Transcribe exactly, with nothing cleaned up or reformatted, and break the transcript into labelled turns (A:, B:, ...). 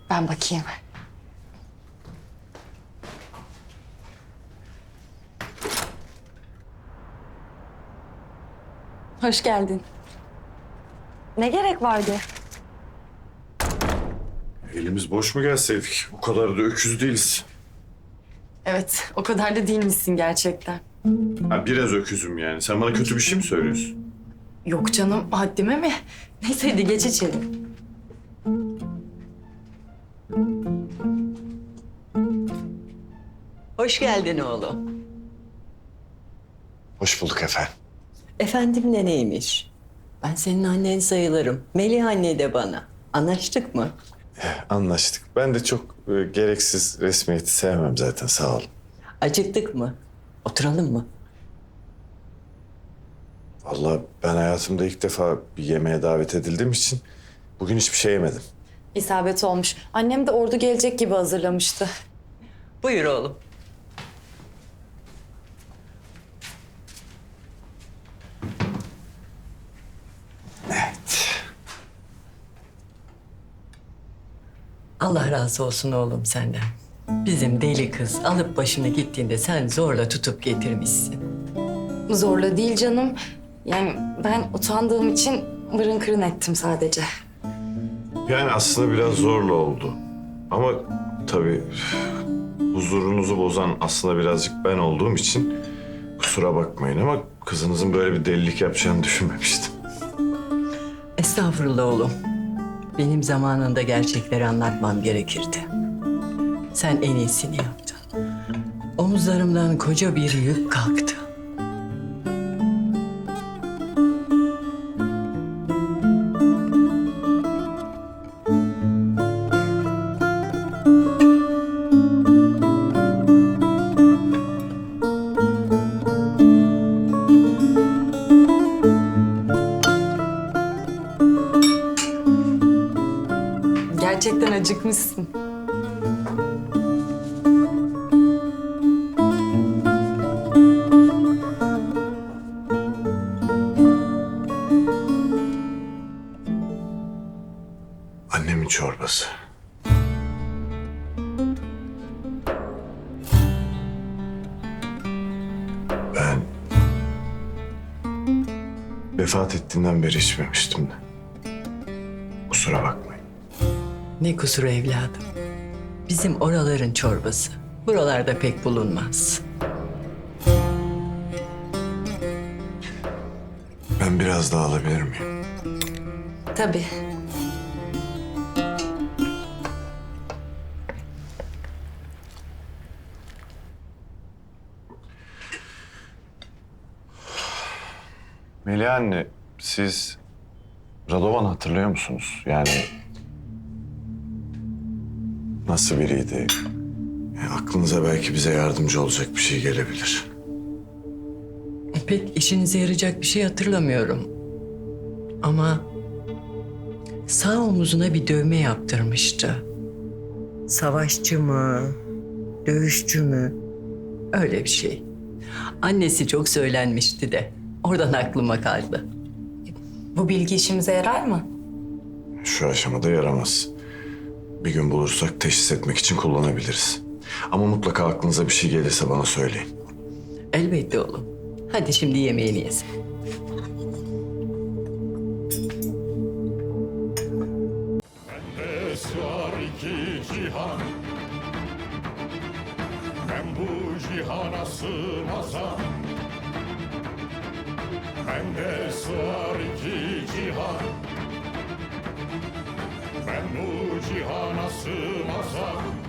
A: Ben bakayım. Hoş geldin. Ne gerek vardı?
B: Elimiz boş mu gelseydik? O kadar da öküz değiliz.
A: Evet, o kadar da değilmişsin gerçekten.
B: Ha, biraz öküzüm yani. Sen bana kötü bir şey mi söylüyorsun?
A: Yok canım, haddime mi? Neyse hadi geç içelim.
C: Hoş geldin oğlum.
B: Hoş bulduk efendim.
C: Efendim de neymiş? Ben senin annen sayılırım. Melih anne de bana. Anlaştık mı?
B: Anlaştık. Ben de çok e, gereksiz resmiyeti sevmem zaten, sağ ol.
C: Acıktık mı? Oturalım mı?
B: Vallahi ben hayatımda ilk defa bir yemeğe davet edildiğim için bugün hiçbir şey yemedim.
A: İsabet olmuş. Annem de ordu gelecek gibi hazırlamıştı.
C: Buyur oğlum.
B: Evet.
C: Allah razı olsun oğlum senden. Bizim deli kız alıp başını gittiğinde sen zorla tutup getirmişsin.
A: Zorla değil canım. Yani ben utandığım için mırın kırın ettim sadece.
B: Yani aslında biraz zorla oldu. Ama tabii huzurunuzu bozan aslında birazcık ben olduğum için kusura bakmayın ama kızınızın böyle bir delilik yapacağını düşünmemiştim.
C: Estağfurullah oğlum. Benim zamanında gerçekleri anlatmam gerekirdi. Sen en iyisini yaptın. Omuzlarımdan koca bir yük kalktı.
A: Gerçekten acıkmışsın.
B: Annemin çorbası. Ben vefat ettiğinden beri içmemiştim de. Kusura bakmayın.
C: Ne kusuru evladım. Bizim oraların çorbası. Buralarda pek bulunmaz.
B: Ben biraz daha alabilir miyim?
A: Tabii.
B: Melih anne, siz Radovan hatırlıyor musunuz? Yani nasıl biriydi? Yani aklınıza belki bize yardımcı olacak bir şey gelebilir.
C: Pek işinize yarayacak bir şey hatırlamıyorum. Ama sağ omuzuna bir dövme yaptırmıştı. Savaşçı mı, dövüşçü mü? Öyle bir şey. Annesi çok söylenmişti de. Oradan aklıma kaldı.
A: Bu bilgi işimize yarar mı?
B: Şu aşamada yaramaz. Bir gün bulursak teşhis etmek için kullanabiliriz. Ama mutlaka aklınıza bir şey gelirse bana söyleyin.
C: Elbette oğlum. Hadi şimdi yemeğini yesin.
D: Bende sığar iki cihan, ben bu cihana sığmazam. Bende sığar iki cihan, ben bu cihana sığmazam.